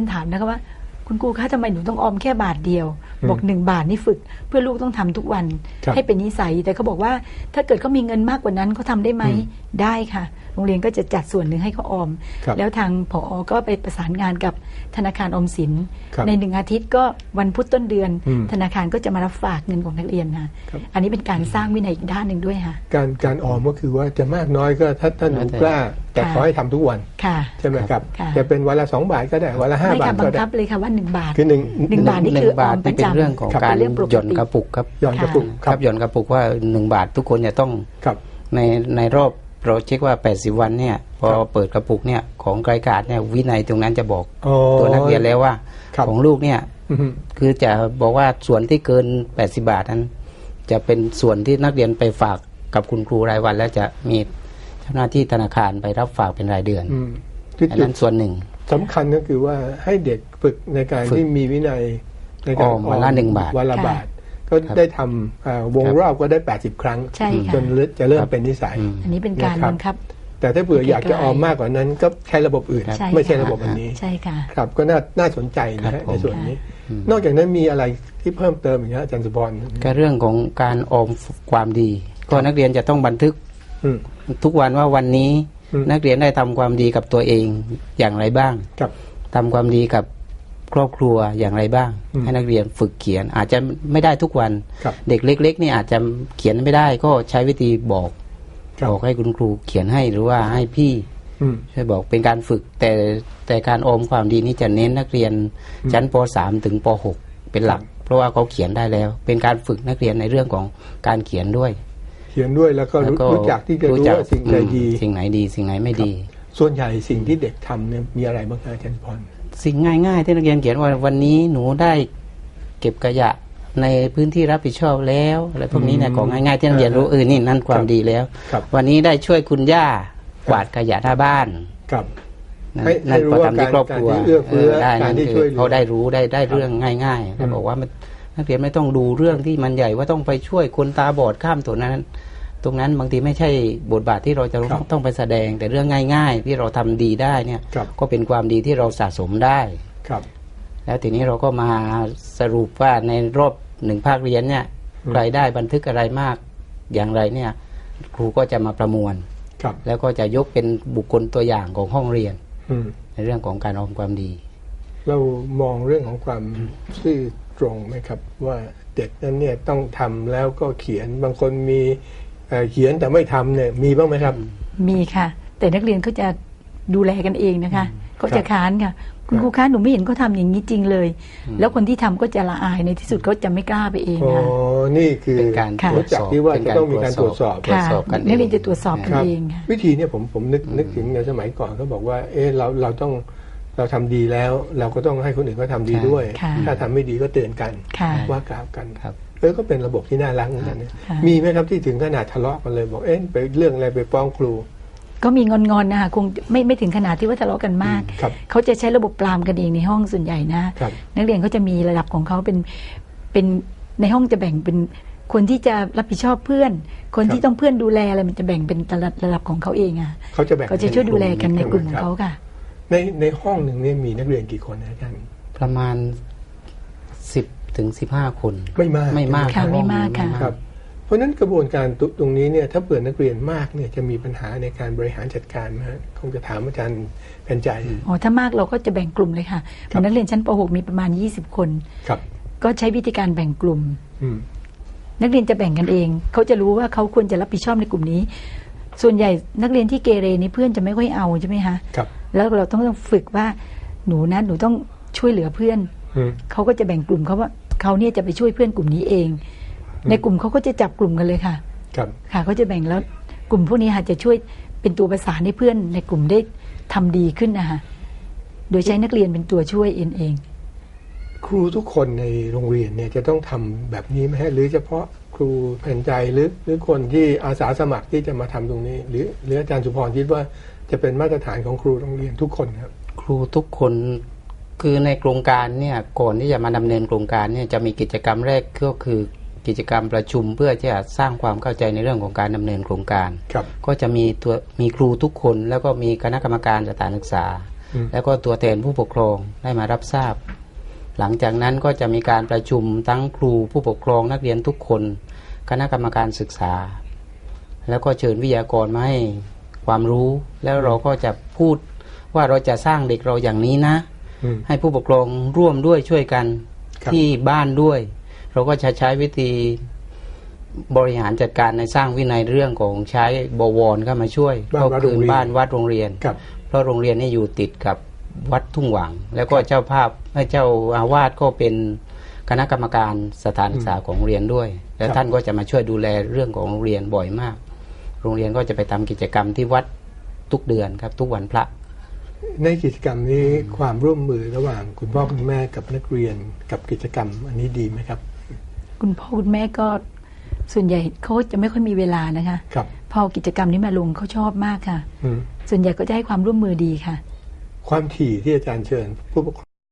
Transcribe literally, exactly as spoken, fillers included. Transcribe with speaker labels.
Speaker 1: ถามนะคะว่าคุณครูคะทำไมหนูต้องออมแค่บาทเดียวบอกหนึ่งบาทนี่ฝึกเพื่อลูกต้องทำทุกวันให้เป็นนิสัยแต่เขาบอกว่าถ้าเกิดเขามีเงินมากกว่านั้นเขาทำได้ไหมได้ค่ะโรงเรียนก็จะจัดส่วนหนึ่งให้เขาออมแล้วทางผอ.ก็ไปประสานงานกับธนาคารออมสินในหนึ่งอาทิตย์ก็วันพุธต้นเดือนธนาคารก็จะมารับฝากเงินของนักเรียนค่ะอันนี้เป็นการสร้างวินัยอีกด้านหนึ่งด้วยค่ะการ
Speaker 2: การออมก็คือว่าจะมากน้อยก็ถ้าท่านหนูกล้าแต่ขอให้ทำทุกวันใช่ไหมครับจะเป็นวันละสองบาทก็ได้วันละห้าบาทก็ได้
Speaker 1: บังคับเลยค่ะว่าหนึ่งบาท
Speaker 2: คือหนึ่ง
Speaker 1: หนึ่งบาทนี่คือออมประจำ
Speaker 3: เป็นเรื่องของการหย่อนกระปุกครับ
Speaker 2: หย่อนกระปุก
Speaker 3: ครับหย่อนกระปุกว่าหนึ่งบาททุกคนจะต้องในในรอบเราเช็คว่าแปดสิบวันเนี่ยพอเปิดกระปุกเนี่ยของรายการเนี่ยวินัยตรงนั้นจะบอกตัวนักเรียนแล้วว่าของลูกเนี่ยคือจะบอกว่าส่วนที่เกินแปดสิบบาทนั้นจะเป็นส่วนที่นักเรียนไปฝากกับคุณครูรายวันแล้วจะมีเจ้าหน้าที่ธนาคารไปรับฝากเป็นรายเดือนอันนั้นส่วนหนึ่ง
Speaker 2: สำคัญก็คือว่าให้เด็กฝึกในการที่มีวินัยในการออม
Speaker 3: วันละหนึ่งบาท
Speaker 2: วันละบาทก็ได้ทำวงรอบก็ได้แปดสิบครั้งจนจะเริ่มเป็นนิสัย
Speaker 1: อันนี้เป็นการบังคับ
Speaker 2: แต่ถ้าเผื่ออยากจะออมมากกว่านั้นก็ใช้ระบบอื่นไม่ใช่ระบบอันนี้
Speaker 1: ใช่ค่ะ
Speaker 2: ครับก็น่าน่าสนใจนะในส่วนนี้นอกจากนั้นมีอะไรที่เพิ่มเติมอีกนะอาจารย์สุพร
Speaker 3: ก็เรื่องของการออมความดีก็นักเรียนจะต้องบันทึกทุกวันว่าวันนี้นักเรียนได้ทำความดีกับตัวเองอย่างไรบ้างทำความดีกับครอบครัวอย่างไรบ้างให้นักเรียนฝึกเขียนอาจจะไม่ได้ทุกวันเด็กเล็กๆนี่อาจจะเขียนไม่ได้ก็ใช้วิธีบอกบอกให้คุณครูเขียนให้หรือว่าให้พี่ช่วยบอกเป็นการฝึกแต่แต่การออมความดีนี้จะเน้นนักเรียนชั้นป สาม ถึงป หก เป็นหลักเพราะว่าเขาเขียนได้แล้วเป็นการฝึกนักเรียนในเรื่องของการเขียนด้วย
Speaker 2: เขียนด้วยแล้วก็รู้จักที่จะรู้ว่าสิ่งไหนดี
Speaker 3: สิ่งไหนดีสิ่งไหนไม่ดี
Speaker 2: ส่วนใหญ่สิ่งที่เด็กทำเนี่ยมีอะไรบ้างอาจารย์พร
Speaker 3: สิ่งง่ายๆที่นักเรียนเขียนว่าวันนี้หนูได้เก็บขยะในพื้นที่รับผิดชอบแล้วอะไรพวกนี้เนี่ยของง่ายๆที่นักเรียนรู้เออนี่นั่นความดีแล้ววันนี้ได้ช่วยคุณย่ากวาดขยะหน้าบ้านนั่นก็ทำที่ครอบครัวได้นั่นคือเขาได้รู้ได้ได้เรื่องง่ายๆเขาบอกว่านักเรียนไม่ต้องดูเรื่องที่มันใหญ่ว่าต้องไปช่วยคนตาบอดข้ามถนนนั้นตรงนั้นบางทีไม่ใช่บทบาทที่เราจะต้องไปแสดงแต่เรื่องง่ายๆที่เราทำดีได้เนี่ยก็เป็นความดีที่เราสะสมได้แล้วทีนี้เราก็มาสรุปว่าในรอบหนึ่งภาคเรียนเนี่ยใครได้บันทึกอะไรมากอย่างไรเนี่ยครูก็จะมาประมวลแล้วก็จะยกเป็นบุคคลตัวอย่างของห้องเรียนในเรื่องของการออมความดี
Speaker 2: เรามองเรื่องของความซื่อตรงไหมครับว่าเด็กนั้นเนี่ยต้องทำแล้วก็เขียนบางคนมีเขียนแต่ไม่ทำเนี่ยมีบ้างไหมครับ
Speaker 1: มีค่ะแต่นักเรียนเขาจะดูแลกันเองนะคะเขาจะค้านค่ะคุณครูคะหนูไม่เห็นเขาทำอย่างนี้จริงเลยแล้วคนที่ทำก็จะละอายในที่สุดเขาจะไม่กล้าไปเองค่ะ
Speaker 2: อ๋อนี่คือ
Speaker 3: เป็นการ
Speaker 2: รู้จักที่ว่าจะต้องมีการตรวจสอบ
Speaker 1: ค่ะนักเรียนจะตรวจสอบกันเองค่ะ
Speaker 2: วิธีเนี่ยผมผมนึกนึกถึงในสมัยก่อนเขาบอกว่าเออเราเราต้องเราทำดีแล้วเราก็ต้องให้คนอื่นก็ทำดีด้วยถ้าทำไม่ดีก็เตือนกันว่ากล่าวกันเออก็เป็นระบบที่น่ารักเหมือนกันนะมีไหมครับที่ถึงขนาดทะเลาะกันเลยบอกเอ๊ะไปเรื่องอะไรไปฟ้องครู
Speaker 1: ก็มีงอนๆนะคะคงไม่ไม่ถึงขนาดที่ว่าทะเลาะกันมากเขาจะใช้ระบบปรามกันเองในห้องส่วนใหญ่นะนักเรียนเขาจะมีระดับของเขาเป็นเป็นในห้องจะแบ่งเป็นคนที่จะรับผิดชอบเพื่อนคนที่ต้องเพื่อนดูแลอะไรมันจะแบ่งเป็นระดับของเขาเองอ่ะ
Speaker 2: เขาจะแบ่ง
Speaker 1: เขาจะช่วยดูแลกันในกลุ่มของเขาค่ะ
Speaker 2: ในในห้องหนึ่งเนี่ยมีนักเรียนกี่คนอาจารย์
Speaker 3: ประมาณสิบถึงสิบห้าคน
Speaker 2: ไม่มาก
Speaker 3: ไม่มาก
Speaker 1: ค่ะไม่มากค่ะ
Speaker 2: ครับเพราะนั้นกระบวนการตรงนี้เนี่ยถ้าเปิดนักเรียนมากเนี่ยจะมีปัญหาในการบริหารจัดการไหมคงจะถามอาจารย์แผ่นใจ
Speaker 1: อ๋อถ้ามากเราก็จะแบ่งกลุ่มเลยค่ะนักเรียนชั้นป หก มีประมาณยี่สิบคน
Speaker 2: ครับ
Speaker 1: ก็ใช้วิธีการแบ่งกลุ่มนักเรียนจะแบ่งกันเองเขาจะรู้ว่าเขาควรจะรับผิดชอบในกลุ่มนี้ส่วนใหญ่นักเรียนที่เกเรนี่เพื่อนจะไม่ค่อยเอาใช่ไหมคะ
Speaker 2: ครับ
Speaker 1: แล้วเราต้องฝึกว่าหนูนะหนูต้องช่วยเหลือเพื่อนเขาก็จะแบ่งกลุ่มเขาว่าเขาเนี่ยจะไปช่วยเพื่อนกลุ่มนี้เองในกลุ่มเขาก็จะจับกลุ่มกันเลยค่ะ
Speaker 2: ครับ
Speaker 1: ค่ะเขาจะแบ่งแล้วกลุ่มพวกนี้ค่ะจะช่วยเป็นตัวประสานให้เพื่อนในกลุ่มได้ทำดีขึ้นนะคะโดยใช้นักเรียนเป็นตัวช่วยเองเอง
Speaker 2: ครูทุกคนในโรงเรียนเนี่ยจะต้องทำแบบนี้ไหมหรือเฉพาะครูแผ่นใจหรือหรือคนที่อาสาสมัครที่จะมาทำตรงนี้หรือหรืออาจารย์สุพรคิดว่าจะเป็นมาตรฐานของครูโรงเรียนทุกคนครับ
Speaker 3: ครูทุกคนคือในโครงการเนี่ยก่อนที่จะมาดำเนินโครงการเนี่ยจะมีกิจกรรมแรกก็คือกิจกรรมประชุมเพื่อที่จะสร้างความเข้าใจในเรื่องของการดำเนินโครงการก็จะมีตัวมีครูทุกคนแล้วก็มีคณะกรรมการสถานศึกษาแล้วก็ตัวแทนผู้ปกครองได้มารับทราบหลังจากนั้นก็จะมีการประชุมทั้งครูผู้ปกครองนักเรียนทุกคนคณะกรรมการศึกษาแล้วก็เชิญวิทยากรมาให้ความรู้แล้วเราก็จะพูดว่าเราจะสร้างเด็กเราอย่างนี้นะให้ผู้ปกครองร่วมด้วยช่วยกันที่บ้านด้วยเราก็จะใช้วิธีบริหารจัดการในสร้างวินัยเรื่องของใช้บวรเข้ามาช่วยก็คือบ้านวัดโรงเรียนเพราะโรงเรียนนี่อยู่ติดกับวัดทุ่งหวังแล้วก็เจ้าภาพให้เจ้าอาวาสก็เป็นคณะกรรมการสถานศึกษาของโรงเรียนด้วยแล้วท่านก็จะมาช่วยดูแลเรื่องของโรงเรียนบ่อยมากโรงเรียนก็จะไปทำกิจกรรมที่วัดทุกเดือนครับทุกวันพระ
Speaker 2: ในกิจกรรมนี้ความร่วมมือระหว่างคุณพ่อคุณแม่กับนักเรียนกับกิจกรรมอันนี้ดีไหมครับ
Speaker 1: คุณพ่อคุณแม่ก็ส่วนใหญ่เขาจะไม่ค่อยมีเวลานะคะ
Speaker 2: ครับ
Speaker 1: พอกิจกรรมนี้มาลงเขาชอบมากค่ะส่วนใหญ่ก็จะให้ความร่วมมือดีค่ะ
Speaker 2: ความถี่ที่อาจารย์เชิญผู้ปกครอง